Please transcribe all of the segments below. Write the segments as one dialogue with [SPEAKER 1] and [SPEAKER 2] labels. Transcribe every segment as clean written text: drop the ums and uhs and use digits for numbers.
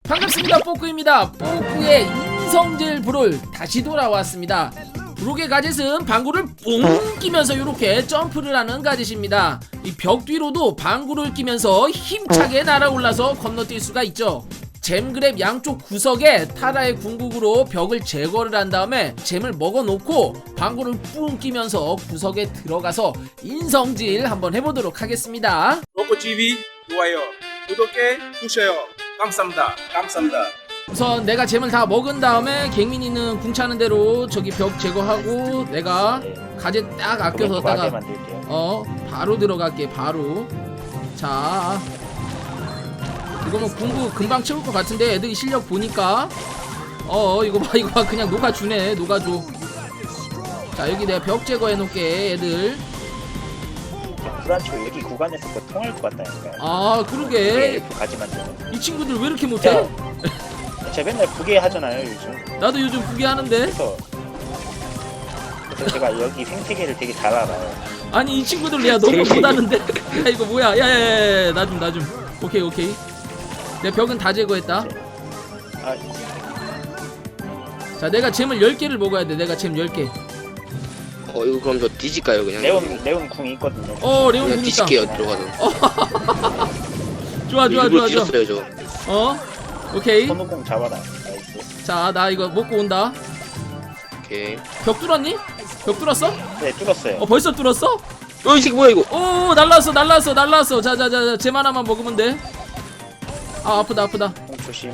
[SPEAKER 1] 반갑습니다. 뽀꾸입니다. 뽀꾸의 인성질 브롤 다시 돌아왔습니다. 브록의 가젯은 방구를 뿡 끼면서 이렇게 점프를 하는 가젯입니다. 이 벽 뒤로도 방구를 끼면서 힘차게 날아올라서 건너뛸 수가 있죠. 잼그랩 양쪽 구석에 타라의 궁극으로 벽을 제거를 한 다음에 잼을 먹어놓고 방구를 뿡 끼면서 구석에 들어가서 인성질 한번 해보도록 하겠습니다.
[SPEAKER 2] 뽀꾸TV 좋아요, 구독해 주세요. 감사합니다. 감사합니다.
[SPEAKER 1] 우선 내가 잼을 다 먹은 다음에 갱민이는 궁차는 대로 저기 벽 제거하고 내가 가젯 딱 아껴서다가 바로 들어갈게. 바로. 자, 이거 뭐 궁구 금방 채울 것 같은데 애들이 실력 보니까 이거 봐 그냥 녹아주네. 녹아줘. 자, 여기 내가 벽 제거해 놓을게. 애들
[SPEAKER 3] 불안치고 여기 구간에서 뭐 통할 것 같다니까요.
[SPEAKER 1] 아 그러게
[SPEAKER 3] 가지 만드는.
[SPEAKER 1] 이 친구들 왜 이렇게 못해?
[SPEAKER 3] 제가 맨날 부계 하잖아요 요즘.
[SPEAKER 1] 나도 요즘 부게 하는데.
[SPEAKER 3] 그래서 제가 여기 생태계를 되게 잘 알아요.
[SPEAKER 1] 아니 이 친구들 야 너무 못하는데. 야 이거 뭐야? 야야야 나 좀. 오케이. 내 벽은 다 제거했다.
[SPEAKER 3] 아,
[SPEAKER 1] 자, 내가 잼을 10개를 먹어야 돼. 내가 잼 10개.
[SPEAKER 4] 이거 그럼 저 뒤질까요 그냥?
[SPEAKER 3] 레온 궁이 있거든요.
[SPEAKER 1] 레온
[SPEAKER 4] 그냥
[SPEAKER 1] 궁 있다.
[SPEAKER 4] 뒤질게요 들어가서.
[SPEAKER 1] 좋아.
[SPEAKER 4] 일부러 뒤졌어요 저.
[SPEAKER 1] 오케이.
[SPEAKER 3] 선우궁 잡아라. 나이스.
[SPEAKER 1] 자, 나 이거 먹고 온다.
[SPEAKER 4] 오케이.
[SPEAKER 1] 벽 뚫었니? 벽 뚫었어?
[SPEAKER 3] 네, 뚫었어요.
[SPEAKER 1] 벌써 뚫었어?
[SPEAKER 4] 이 새끼 뭐야 이거?
[SPEAKER 1] 오, 날랐어. 자, 잼 하나만 먹으면 돼. 아, 아프다.
[SPEAKER 3] 궁 조심.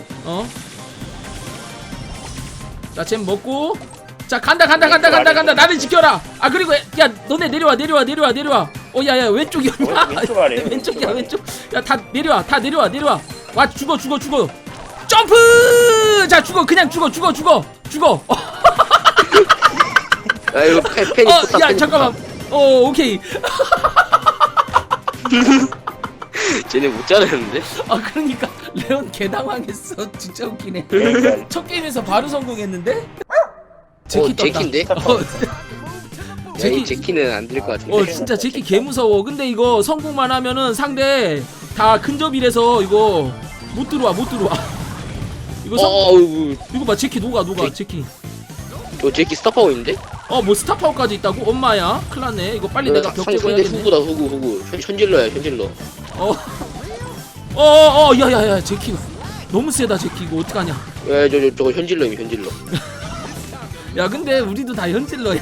[SPEAKER 1] 자, 잼 먹고. 자, 간다. 나를 지켜라. 아, 그리고 야, 너네 내려와. 야, 왼쪽이었나?
[SPEAKER 3] 왼쪽 아래.
[SPEAKER 1] 왼쪽이야. 야, 다 내려와. 와, 죽어. 점프! 자, 그냥 죽어.
[SPEAKER 4] 야 이거 팬이
[SPEAKER 1] 야, 잠깐만. 오케이.
[SPEAKER 4] 쟤네 못 자르는데?
[SPEAKER 1] 그러니까 레온 개당황했어. 진짜 웃기네.
[SPEAKER 3] 그러니까
[SPEAKER 1] 첫 게임에서 바로 성공했는데? 제키 떴다.
[SPEAKER 4] 제키인데?
[SPEAKER 1] 제키.
[SPEAKER 4] 제키는 안 될 것 같은데.
[SPEAKER 1] 진짜 제키 개 무서워. 근데 이거 성공만 하면은 상대 다 근접이라서 이거 못 들어와. 이거 이거 봐. 제키 녹아. 제키.
[SPEAKER 4] 저 제키 스타파워 있는데?
[SPEAKER 1] 뭐 스타파워까지 있다고? 엄마야. 큰일났네. 이거 빨리 내가 벽
[SPEAKER 4] 상대
[SPEAKER 1] 제거해야겠네.
[SPEAKER 4] 후구다 후구. 현질러야 현질러.
[SPEAKER 1] 야야야 제키 너무 세다. 제키 이거 어떡하냐.
[SPEAKER 4] 야 저거 현질러임 현질러.
[SPEAKER 1] 야 근데 우리도 다 현질러야.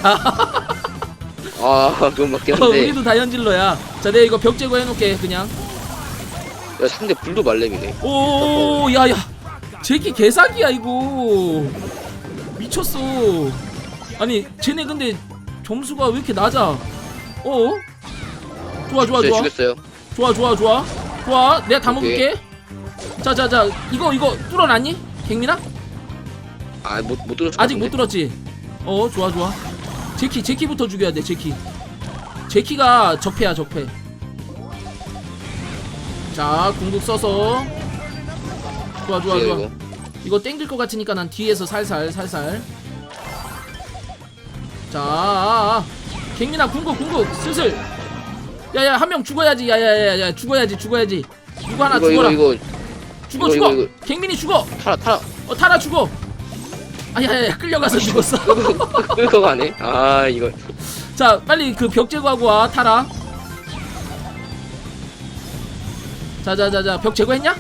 [SPEAKER 4] 그건 맞긴 한데.
[SPEAKER 1] 우리도 다 현질러야. 자 내가 이거 벽 제거해놓을게 그냥.
[SPEAKER 4] 야 상대 불도 말렘이네.
[SPEAKER 1] 야야 제키 개사기야 이거. 미쳤어. 아니 쟤네 근데 점수가 왜 이렇게 낮아. 좋아.
[SPEAKER 4] 죽였어요.
[SPEAKER 1] 좋아. 내가 다 먹을게. 자 이거 뚫어놨니? 갱민아?
[SPEAKER 4] 못 들었어.
[SPEAKER 1] 아직 못 들었지? 좋아. 제키부터 죽여야 돼. 제키가 적폐야. 자 궁극 써서. 좋아. 이거 땡길 것 같으니까 난 뒤에서 살살. 자 갱민아 궁극 슬슬. 야야 한 명 죽어야지. 야야야 죽어야지. 누구 하나 죽어라.
[SPEAKER 4] 이거
[SPEAKER 1] 죽어. 갱민이 죽어.
[SPEAKER 4] 타라.
[SPEAKER 1] 타라 죽어. 야야야 끌려가서 죽었어.
[SPEAKER 4] 끌고 가네. 이거.
[SPEAKER 1] 자 빨리 그 벽 제거하고 와. 타라. 자자자자 벽 제거했냐?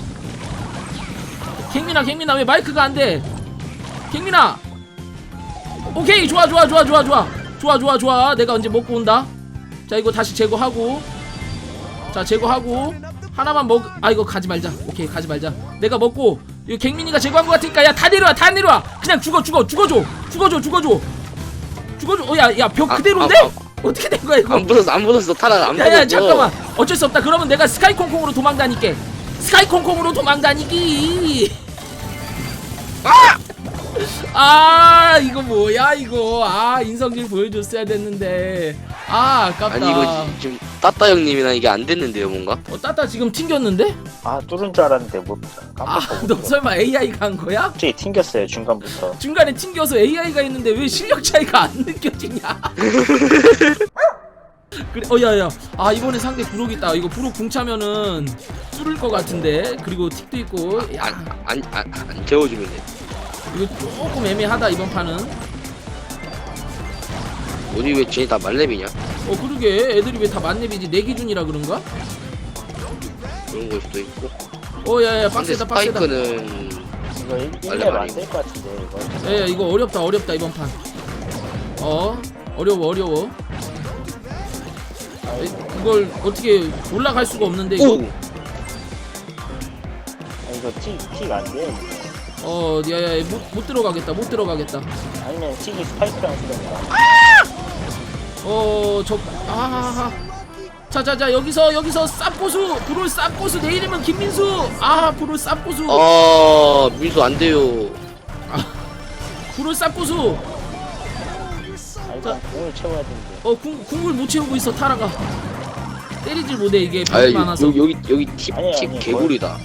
[SPEAKER 1] 갱민아 왜 마이크가 안 돼? 갱민아. 오케이 좋아. 내가 언제 먹고 온다. 자 이거 다시 제거하고. 자 제거하고 하나만 이거 가지 말자. 오케이 가지 말자. 내가 먹고 이거 갱민이가 제거한 것 같으니까 야 다 내려와. 그냥 죽어줘. 야 벽 그대로인데? 어떻게 된 거야 이거?
[SPEAKER 4] 안 부쉈어 타라 안 부쉈어.
[SPEAKER 1] 야야 잠깐만. 어쩔 수 없다. 그러면 내가 스카이콩콩으로 도망다니게. 이거 뭐야 이거. 인성질 보여줬어야 됐는데. 아깝다.
[SPEAKER 4] 아니 이거 지금 따따 형님이나 이게 안 됐는데요 뭔가?
[SPEAKER 1] 따따 지금 튕겼는데?
[SPEAKER 3] 뚫은 줄 알았는데 못.
[SPEAKER 1] 너 설마 AI가 한 거야?
[SPEAKER 3] 갑자기 튕겼어요 중간부터.
[SPEAKER 1] 중간에 튕겨서 AI가 있는데 왜 실력 차이가 안 느껴지냐? 그래 야야 아 이번에 상대 부록 있다. 이거 부록 궁 차면은 뚫을 것 같은데. 그리고 틱도 있고 야
[SPEAKER 4] 안 재워주면 돼.
[SPEAKER 1] 이거 조금 애매하다 이번 판은.
[SPEAKER 4] 어디 왜 쟤네 다 말렙이냐?
[SPEAKER 1] 그러게 애들이 왜 다 만렙이지? 내 기준이라 그런가?
[SPEAKER 4] 그런 걸 수도 있고.
[SPEAKER 1] 야야
[SPEAKER 4] 근데
[SPEAKER 1] 빡세다 빡세다.
[SPEAKER 4] 스파이크는
[SPEAKER 3] 이거 1렙 안될 것 같은데 이거.
[SPEAKER 1] 야 이거 어렵다 이번 판. 어려워. 이걸 어떻게 올라갈 수가 없는데 이거.
[SPEAKER 4] 오!
[SPEAKER 3] 이거 틱 안 돼.
[SPEAKER 1] 야야 못 들어가겠다.
[SPEAKER 3] 아니면 틱이 스파이크랑 쓰던가.
[SPEAKER 1] 자자자 여기서 쌉고수 브롤 쌉고수 내 이름은 김민수. 브롤 쌉고수.
[SPEAKER 4] 민수 안 돼요.
[SPEAKER 1] 브롤 쌉고수.
[SPEAKER 3] 일단 공을 채워야 되는데.
[SPEAKER 1] 궁을 못 채우고 있어 타라가. 때리질 못해 이게
[SPEAKER 4] 아
[SPEAKER 1] 병이 많아서.
[SPEAKER 4] 여기 팁
[SPEAKER 3] 아니,
[SPEAKER 4] 개구리다.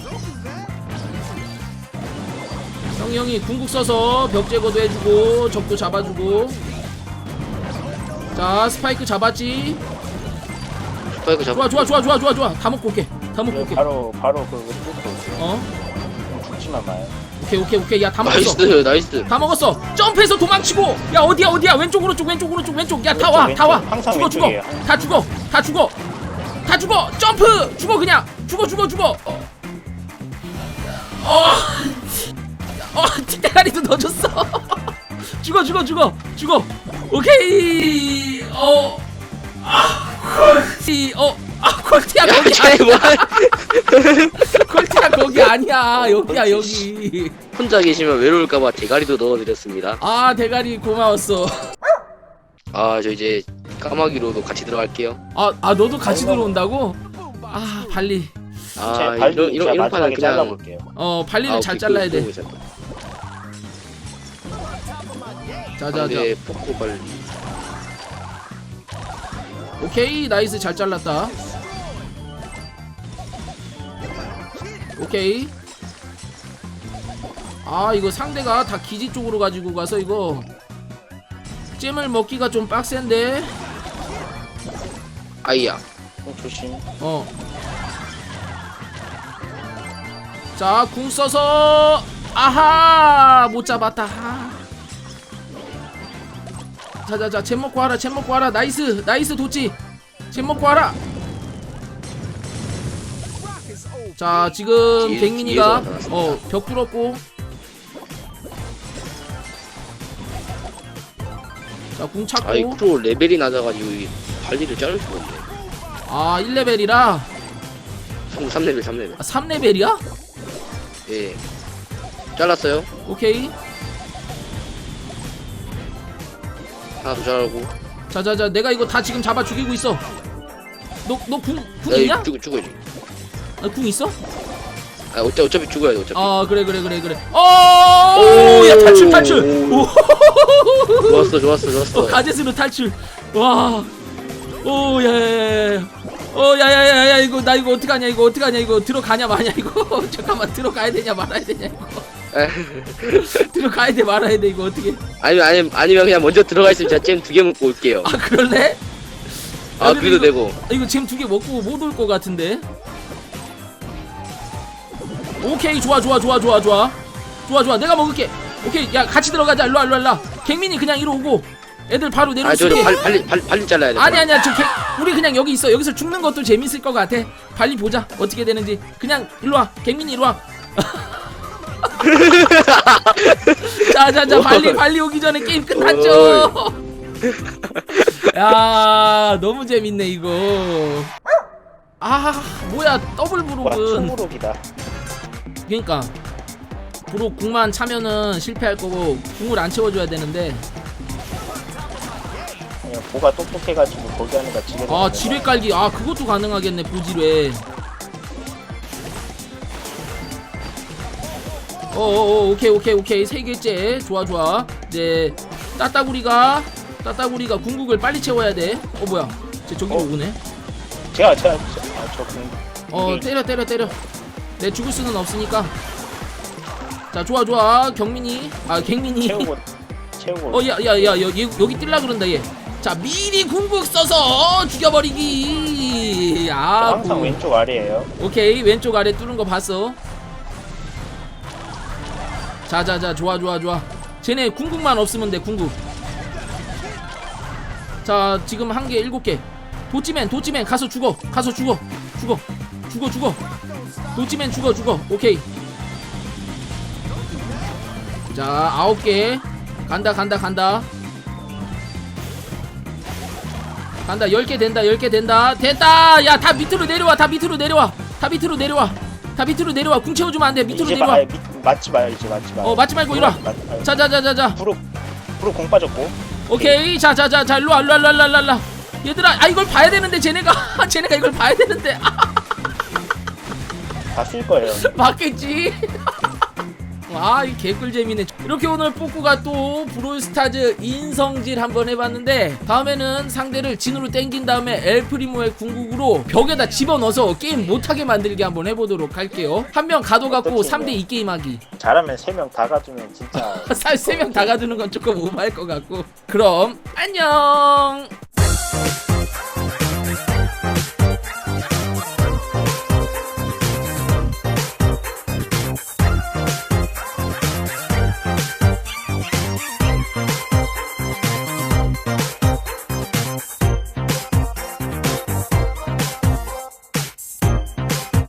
[SPEAKER 1] 형이 궁극 써서 벽 제거도 해주고 적도 잡아주고. 자 스파이크 잡았지.
[SPEAKER 4] 스파이크 잡.
[SPEAKER 1] 좋아. 다 먹고 올게.
[SPEAKER 3] 바로 그거 뚫고 올게요. 죽지만 마요.
[SPEAKER 1] 오케이. 야 다 먹었어.
[SPEAKER 4] 나이스.
[SPEAKER 1] 다 먹었어. 점프해서 도망치고. 야 어디야? 왼쪽 오른쪽. 야 다 와.
[SPEAKER 3] 항상
[SPEAKER 1] 죽어.
[SPEAKER 3] 왼쪽이에요.
[SPEAKER 1] 다 죽어. 점프. 죽어 그냥. 죽어. 틱대가리도 넣어줬어. 죽어. 오케이. 콜티야 거기 아니야. 콜티야 거기 아니야. 여기야 여기.
[SPEAKER 4] 혼자 계시면 외로울까봐 대가리도 넣어드렸습니다.
[SPEAKER 1] 대가리 고마웠어.
[SPEAKER 4] 저 이제 까마귀로도 같이 들어갈게요.
[SPEAKER 1] 너도 같이 들어온다고? 발리.
[SPEAKER 4] 이런 판은 그냥
[SPEAKER 3] 잘라볼게요.
[SPEAKER 1] 발리를 잘 잘라야 돼. 자자자.
[SPEAKER 4] 포코 발리.
[SPEAKER 1] 오케이 나이스 잘 잘랐다. 오케이. 이거 상대가 다 기지 쪽으로 가지고 가서 이거 잼을 먹기가 좀 빡센데.
[SPEAKER 4] 아이야.
[SPEAKER 3] 조심.
[SPEAKER 1] 자 궁 써서 못 잡았다. 자자자 잼 먹고 와라. 나이스 도치. 잼 먹고 와라. 자 지금 갱민이가 벽 뚫었고. 자 궁 찾고.
[SPEAKER 4] 프로 레벨이 낮아가지고 이 발리를 자를 수가 없네.
[SPEAKER 1] 1레벨이라
[SPEAKER 4] 3레벨.
[SPEAKER 1] 3레벨이야?
[SPEAKER 4] 예. 잘랐어요.
[SPEAKER 1] 오케이.
[SPEAKER 4] 하나 더 잘하고.
[SPEAKER 1] 자자자 내가 이거 다 지금 잡아 죽이고 있어. 너 궁 있냐?
[SPEAKER 4] 죽어야지.
[SPEAKER 1] 궁 있어?
[SPEAKER 4] 어차피 죽어야 돼.
[SPEAKER 1] 그래. 야 탈출.
[SPEAKER 4] 좋았어.
[SPEAKER 1] 가젯으로 탈출. 와. 야야야야 이거 나 이거 어떡하냐 이거 들어가냐 마냐 이거. 잠깐만 들어가야 되냐 말아야 되냐 이거. 들어가야 돼 말아야 돼 이거 어떻게.
[SPEAKER 4] 아니면 그냥 먼저 들어가 있으면 제가 잼 2개 먹고 올게요.
[SPEAKER 1] 그럴래?
[SPEAKER 4] 그래도 되고.
[SPEAKER 1] 이거 잼 2개 먹고 못 올 것 같은데. 오케이 좋아 내가 먹을게. 오케이 야 같이 들어가자. 일로와. 갱민이 그냥 이리 오고 애들 바로 내려올 수 있게.
[SPEAKER 4] 발리 잘라야 돼.
[SPEAKER 1] 아니야 우리 그냥 여기 있어. 여기서 죽는 것도 재밌을 것 같아. 발리 보자 어떻게 되는지. 그냥 일로와 갱민이 일로와. 자자자 발리 오기 전에 게임 끝났죠. 야 너무 재밌네 이거. 뭐야 더블 브록은.
[SPEAKER 3] 투브록이다.
[SPEAKER 1] 그러니까 브록 궁만 차면은 실패할 거고 궁을 안 채워줘야 되는데.
[SPEAKER 3] 보가 똑똑해가지고 거기 하니까 지뢰.
[SPEAKER 1] 지뢰 깔기. 그것도 가능하겠네 보지뢰. 오케이 3개째. 좋아. 이제 따따구리가 궁극을 빨리 채워야 돼. 뭐야 쟤 저기로 오네.
[SPEAKER 3] 제가 저
[SPEAKER 1] 때려. 내 죽을 수는 없으니까. 자 좋아 경민이 갱민이.
[SPEAKER 3] 채우고.
[SPEAKER 1] 야 여기 뛸라 그런다 얘. 자 미리 궁극 써서 죽여버리기. 아
[SPEAKER 3] 항상
[SPEAKER 1] 뭐.
[SPEAKER 3] 왼쪽 아래에요.
[SPEAKER 1] 오케이 왼쪽 아래 뚫은 거 봤어. 자자자 좋아 쟤네 궁극만 없으면 돼. 궁극. 자 지금 한 개 7개. 도찌맨 가서 죽어. 도찌맨 죽어. 오케이. 자 9개. 간다 10개 된다. 됐다. 야 다 밑으로 내려와. 궁 채워주면 안돼. 밑으로
[SPEAKER 3] 이제
[SPEAKER 1] 내려와.
[SPEAKER 3] 맞지 마요. 이제 맞지 마요.
[SPEAKER 1] 맞지 말고 일어나. 자자자자자.
[SPEAKER 3] 프로 공 빠졌고.
[SPEAKER 1] 오케이. 자 일로와. 얘들아 이걸 봐야 되는데 쟤네가 이걸 봐야 되는데.
[SPEAKER 3] 다 쓸 거예요.
[SPEAKER 1] 맞겠지. 이 개꿀잼이네. 이렇게 오늘 뿌꾸가 또 브롤스타즈 인성질 한번 해봤는데, 다음에는 상대를 진으로 땡긴 다음에 엘프리모의 궁극으로 벽에다 집어넣어서 게임 못하게 만들게 한번 해보도록 할게요. 한 명 가둬갖고 3대2 게임하기.
[SPEAKER 3] 잘하면 3명 다 가주면 진짜
[SPEAKER 1] 3명 다 가두는 건 조금 오버할 것 같고. 그럼 안녕.